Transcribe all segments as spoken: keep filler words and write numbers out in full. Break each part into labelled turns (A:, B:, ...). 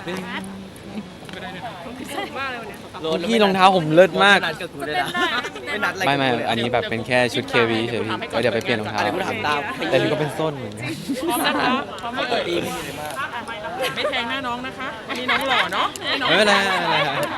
A: ไม่ได้เลยนะพิเศษมากเลยวันนี้
B: พี่รองเท้าผมเลิศมาก
C: ไม่นัดอะไร
B: ไม่ไม่อันนี้แบบเป็นแค่ชุดเควีเฉยพี่เดี๋ยวไปเปลี่ยนรองเท้า
C: อะไรกูถามตาม
B: แต่นี่ก็เป็นส้นเหมือนกัน
A: พร้อมนะคะพร้อมไหมเอ่ย
C: ตีไม่ดีมาก
A: ไม่แทงหน้าน้องนะคะวันนี้น้องหล่อเนาะ
B: ไม่เป็นไรไม่เป็นไร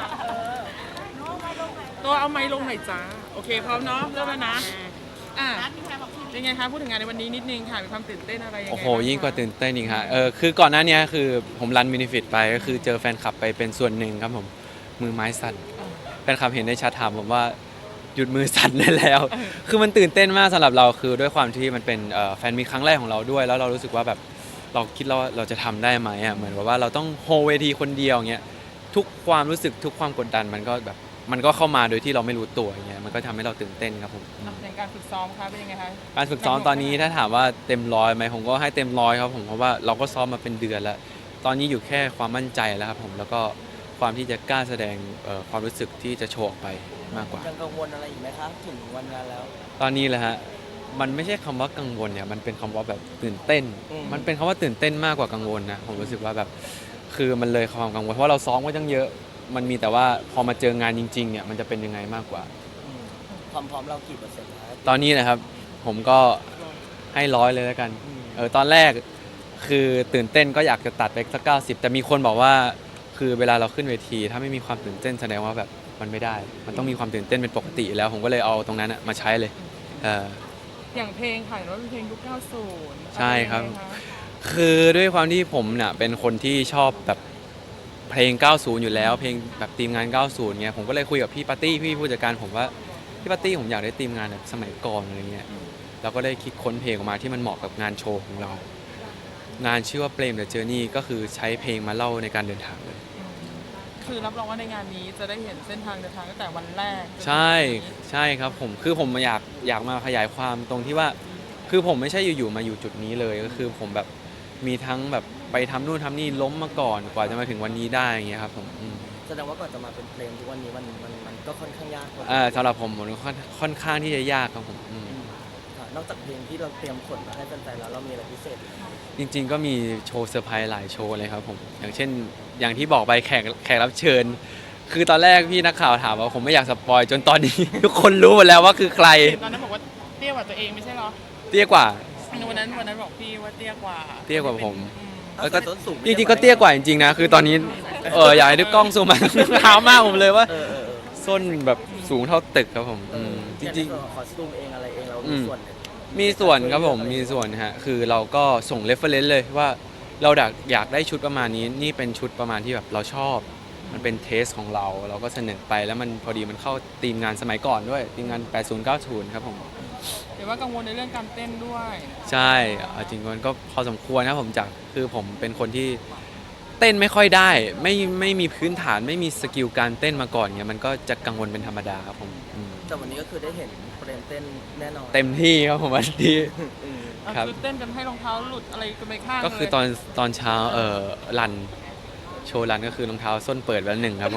A: ตัวเอาไม้ลงหน่อยจ้าโอเคพร้อมเนาะเริ่มแล้วนะอ่ะเป็นไงคะพูดถึงงานในวันนี้นิดนึงค่ะมีความตื่นเต้นอะไรยังไง
B: โอ้โหยิ่งกว่าตื่นเต้นอีกฮะเออคือก่อนหน้านี้คือผมรันมินิฟิตไปก็คือเจอแฟนคลับไปเป็นส่วนหนึ่งครับผมมือไม้สั่นแฟนคลับเห็นในแชทถามผมว่าหยุดมือสั่นได้แล้ว คือมันตื่นเต้นมากสำหรับเราคือด้วยความที่มันเป็นแฟนมีครั้งแรกของเราด้วยแล้วเรารู้สึกว่าแบบเราคิดเราเราจะทำได้ไหมอ่ะเหมือนว่าเราต้องโฮเวทีคนเดียวเงี้ยทุกความรู้สึกทุกความกดดันมันก็แบบมันก็เข้ามาโดยที่เราไม่รู้ตัวอย่างเงี้ยมันก็ทำให้เราตื่นเต้นครับผม
A: อย่างการฝึกซ้อมคะเป็นยังไงคะ
B: การฝึกซ้อมตอนนี้ถ้าถามว่าเต็มร้อยไหมผมก็ให้เต็มร้อยครับผมเพราะว่าเราก็ซ้อมมาเป็นเดือนแล้วตอนนี้อยู่แค่ความมั่นใจแล้วครับผมแล้วก็ความที่จะกล้าแสดงความรู้สึกที่จะโชว์ออกไปมากกว่า
C: ยังกังวลอะไรอีกไหมครับถึงวันงานแล้ว
B: ตอนนี้แหละฮะมันไม่ใช่คำว่ากังวลเนี่ยมันเป็นคำว่าแบบตื่นเต้น มันเป็นคำว่าตื่นเต้นมากกว่ากังวลนะผมรู้สึกว่าแบบคือมันเลยความกังวลเพราะว่าเราซ้อมก็ตั้งเยอะมันมีแต่ว่าพอมาเจองานจริงๆเนี่ยมันจะเป็นยังไงมากกว่า
C: ความพร้อมเรากี่เปอร์เซ็นต์ครับ
B: ตอนนี้นะครับผมก็ให้ร้อยเลยแล้วกันเออตอนแรกคือตื่นเต้นก็อยากจะตัดไปสักเก้าสิบแต่มีคนบอกว่าคือเวลาเราขึ้นเวทีถ้าไม่มีความตื่นเต้นแสดงว่าแบบมันไม่ได้ มันต้องมีความตื่นเต้นเป็นปกติแล้วผมก็เลยเอาตรงนั้นมาใช้เลยเออ
A: อย่างเพลงค่ะว่าเป็นเพลงยุคเก้าสิบ
B: ใช่ครับ คือด้วยความที่ผมเนี่ยเป็นคนที่ชอบแบบเพลง เก้าสิบ อยู่แล้วเพลงแบบทีมงาน เก้าสิบ เงี้ยผมก็เลยคุยกับพี่ปาร์ตี้พี่ผู้จัดการผมว่าพี่ปาร์ตี้ผมอยากได้ทีมงานแบบสมัยก่อนอะไรเงี้ยเราก็ได้คิดค้นเพลงออกมาที่มันเหมาะกับงานโชว์ของเรา งานชื่อว่าเ Blame the Journey ก็คือใช้เพลงมาเล่าในการเดินทางเลย
A: คือรับรองว่าในงานนี้จะได้เห็นเส้นทางเดินทางตั้งแต่วันแรก
B: ใช่ใช่ครับผมคือผมอยากอยากมาขยายความตรงที่ว่าคือผมไม่ใช่อยู่ๆมาอยู่จุดนี้เลยก็คือผมแบบมีทั้งแบบไปทำนู่นทำนี่ล้มมาก่อนกว่าจะมาถึงวันนี้ได้อย่างเงี้ยครับผมอืม
C: แสดงว่าก่อนจะมาเป็นเพลงทุกวันนี้มันมันมันก็ค่อนข้างยากกว่า
B: อ่าสำหรับผมมันค่อนค่อนข้างที่จะยากครับผมอืม
C: ค่ะนอกจากเพลงที่เราเตรียมขนมาให้แฟนๆแล้วเรามีอะไรพิเศษอีกไหม
B: จริงๆก็มีโชว์เซอร์ไพรส์หลายโชว์เลยครับผมอย่างเช่นอย่างที่บอกไปแขกแขกรับเชิญ คือตอนแรกพี่นักข่าวถามว่าผมไม่อยากสปอยจนตอนนี้ ทุกคนรู้หมดแล้วว่าคือใคร
A: ตอนนั้นบอกว่าเตี้ยกว่าตัวเองไม่ใช่เหรอ
B: เตี้ยกว่า
A: วันนั้นวันนั้นบอกพี่ว่าเตี้ยกว่า
B: เตี้ยกว่าผม
A: อืม
B: แล้วก็
C: เอาใส่ส้นสูง
B: จริงๆก็เตี้ยกว่าจริงๆนะคือตอนนี้เอออยากให้ดูกล้องซูมมา เท้ามากผมเลยว่า
C: เออเออเออ
B: ส้นแบบสูงเท่าตึกครับผมอืมจริง
C: ๆคอสตูมเองอะไรเองเรา
B: อื
C: มี
B: ม
C: ส่วนเนี่ย
B: ๆมีส่วนครับผมมีส่วนฮะคือเราก็ส่งเรฟเฟอเรนซ์เลยว่าเราอยากอยากได้ชุดประมาณนี้นี่เป็นชุดประมาณที่แบบเราชอบ มันเป็นเทสของเราเราก็เสนอไปแล้วมันพอดีมันเข้าทีมงานสมัยก่อนด้วยทีมงาน แปดสิบ เก้าสิบ ครับผม
A: เดี๋ยวว่ากังวลในเรื่องการเต้นด้วย
B: ใช่เอาจริงๆมันก็พอสมควรนะผมจากคือผมเป็นคนที่เต้นไม่ค่อยได้ไม่ไม่มีพื้นฐานไม่มีสกิลการเต้นมาก่อนเงี้ยมันก็จะกังวลเป็นธรรมดาครับผมอืม
C: แต่วันนี้ก็คือได้เห็นเพลงเต้นแน่นอน
B: เต็มที่ครับผมวันนี้
C: อืม
A: เอา
B: ครับ
A: คือเต้นกันให้รองเท้าหลุดอะไรกันไปข้าง
B: ก็คือ
A: เลย
B: ตอนตอนเช้าเออรันโชว์รันก็คือรองเท้าส้นเปิดไว้หนึ่งครับผม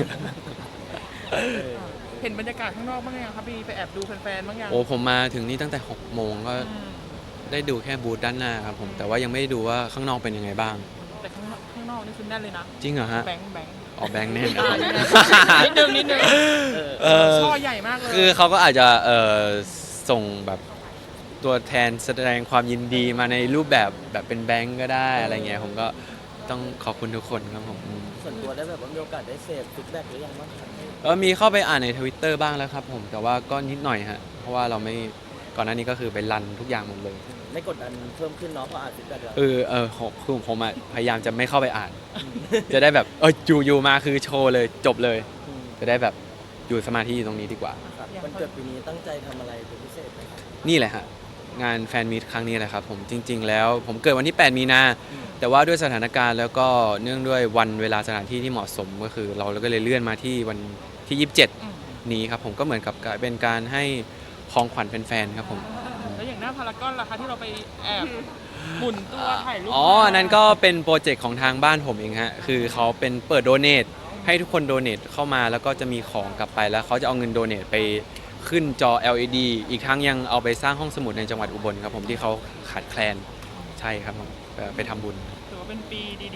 A: เห็นบรรยากาศข้างนอกบ้างยังครับพี่ไปแอบดูแฟนๆบ้างยัง
B: โอ้ผมมาถึงนี่ตั้งแต่หกโมงก็
A: อืม
B: ได้ดูแค่บูธด้านหน้าครับผมแต่ว่ายังไม่ได้ดูว่าข้างนอกเป็นยังไงบ้าง
A: แต่ข้างนอกข้างนอกนี่คือแน่นเลยนะ
B: จริงเหรอฮะ
A: แบงค์แบงค์
B: ออกแบงค์แน่น
A: อ่านิดนึงนิดนึง
B: เออ
A: ช่อใหญ่มากเลย
B: คือเขาก็อาจจะเออส่งแบบตัวแทนแสดงความยินดีมาในรูปแบบแบบเป็นแบงก์ก็ได้อะไรเงี้ยผมก็ต้องขอบคุณทุกคนครับผมอืม
C: ส่วนตัวได้แบบว่ามีโอกาสได้เสพฟีดแบ็กหรือยังบ้างครับ
B: เออมีเข้าไปอ่านในทวิตเตอร์บ้างแล้วครับผมแต่ว่าก็นิดหน่อยฮะเพราะว่าเราไม่ก่อนหน้านี้ก็คือไปรันทุกอย่างหมดเลย
C: ไม่กดดันเพิ่มขึ้นเนาะเพราะอ่านฟีดแบ็กแล้ว
B: เออเออผมคือผมอะพยายามจะไม่เข้าไปอ่าน จะได้แบบเอออยู่อยู่มาคือโชว์เลยจบเลย
C: อืม
B: จะได้แบบอยู่สมาธิอยู่ตรงนี้ดีกว่า
C: ครับวันเกิดปีนี้ตั้งใจทำอะไรเป็นพิเศษไหมครับ
B: นี่แหละฮะงานแฟนมีตครั้งนี้แหละครับผมจริง ๆ แล้วผมเกิดวันที่ แปด มีนา
C: อืม
B: แต่ว่าด้วยสถานการณ์แล้วก็เนื่องด้วยวันเวลาสถานที่ที่เหมาะสมก็คือ เราก็เลยเลื่อนมาที่วันที่ ยี่สิบเจ็ด
A: อืม
B: นี้ครับผมก็เหมือนกับเป็นการให้ของขวัญแฟนๆครับผม
A: แล้วอย่างหน้าพารากอนล่ะคะที่เราไปแอบหมุนตัวถ่ายรูป
B: อ๋ออันนั้นก็เป็นโปรเจกต์ของทางบ้านผมเองฮะคือเขาเป็นเปิดโดเนทให้ทุกคนโดเนทเข้ามาแล้วก็จะมีของกลับไปแล้วเขาจะเอาเงินโดเนทไปขึ้นจอ แอล อี ดี อีกทั้งยังเอาไปสร้างห้องสมุดในจังหวัดอุบลครับผมที่เขาขาดแคลนใช่ครับผมไปไปทำบุญ
A: ถือว่าเป็นปีดีๆปีหนึ่ง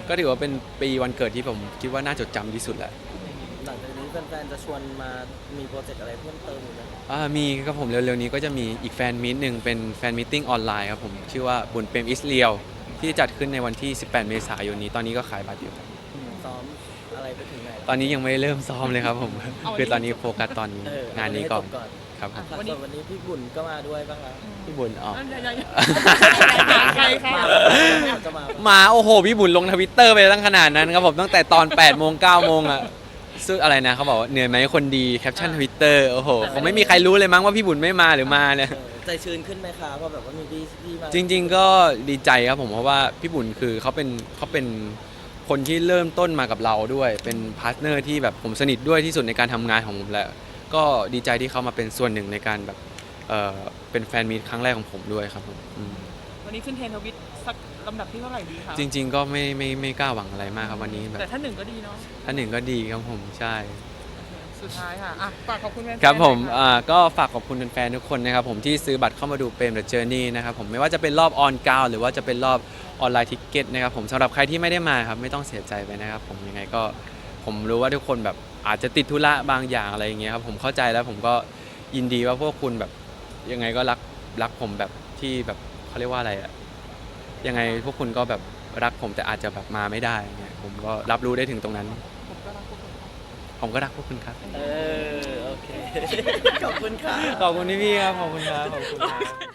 B: ก็ถือว่าเป็นปีวันเกิดที่ผมคิดว่าน่าจดจำที่สุดแหละ
C: หลังจากนี้แฟนๆจะชวนมามีโปรเจกต์อะไรเพิ่มเติมอีกไหม
B: อ่ามีครับผมเร็วๆนี้ก็จะมีอีกแฟนมีตหนึ่งเป็นแฟนมีตติ้งออนไลน์ครับผมชื่อว่าบุญเปรมอิสเรียวที่จัดขึ้นในวันที่ สิบแปด เมษายนนี้ตอนนี้ก็ขายบัตรอยู่ครับ
C: ซ้อมอะไรไปถึงไหน
B: ตอนนี้ยังไม่ได้เริ่มซ้อมเลยครับผม คือตอนนี้โฟกัสตอน
C: เออง
B: านนี้ก่อน
C: ให้จบก่อน
B: ครับผม
C: อ่ะส่วนวันนี้พี่บุญก็มาด้วยบ้างครับ
B: พี่บุญอ๋อ
A: อ่ะยังๆใครค่ะ
C: จะมา
B: มาโอ้โหพี่บุญลงทวิตเตอร์ไปตั้งขนาดนั้นครับผมตั้งแต่ตอนแปดโมงเก้าโมงอะซึ่งอะไรนะเขาบอกว่าเหนื่อยไหมคนดีแคปชั่นทวิตเตอร์โอ้โหคงไม่มีใครรู้เลยมั้งว่าพี่บุญไม่มาหรือมาเนี่ย
C: เออใจชื้นขึ้นไหมคะเพราะแบบว่ามีพี่พี่มา
B: จริง ๆ ก็ดีใจครับผมเพราะว่าพี่บุญคือเขาเป็นเขาเป็นคนที่เริ่มต้นมากับเราด้วย เป็นพาร์ทเนอร์ที่แบบผมสนิทด้วยที่สุดในการทำงานของผมแล้วก็ดีใจที่เขามาเป็นส่วนหนึ่งในการแบบเออเป็นแฟนมีตครั้งแรกของผมด้วยครับผมอืม
A: วันนี้ขึ้นเทรนด์ทวิตสักลำดับที่เท่าไหร่ดีคะ
B: จริง ๆ ก็ไม่ไม่ไม่กล้าหวังอะไรมากครับวันนี้แบบ
A: แต่ถ้าหนึ่งก็ดีเนาะ
B: ท่านหนึ่งก็ดีครับผมใช่
A: สุดท้ายค่ะอ่ะฝากขอบคุณแฟนๆ
B: ครับผม
A: หน่อยค่ะ
B: อ่าก็ฝากขอบคุณแฟนๆทุกคนนะครับผมที่ซื้อบัตรเข้ามาดูเปรม The Journey นะครับผมไม่ว่าจะเป็นรอบออนกราวหรือว่าจะเป็นรอบออนไลน์ทิกเก็ตนะครับผมสำหรับใครที่ไม่ได้มาครับไม่ต้องเสียใจไปนะครับผมยังไงก็ผมรู้ว่าทุกคนแบบอาจจะติดธุระบางอย่างอะไรอย่างเงี้ยครับผมเข้าใจแล้วผมก็ยินดีว่าพวกคุณแบบยังไงก็รักรักผมแบบที่แบบเขาเรียกว่าอะไรอะยังไงพวกคุณก็แบบรักผมแต่อาจจะแบบมาไม่ได้เงี้ยผมก็รับรู้ได้ถึงตรงนั้น
A: ผมก็รักพวกคุณค่ะ
B: ผมก็รักพวกคุณครับ
C: เออโอเค ขอบคุณค่ะ
B: ขอบคุณพี่ๆครับขอบคุณครับขอบคุณครับ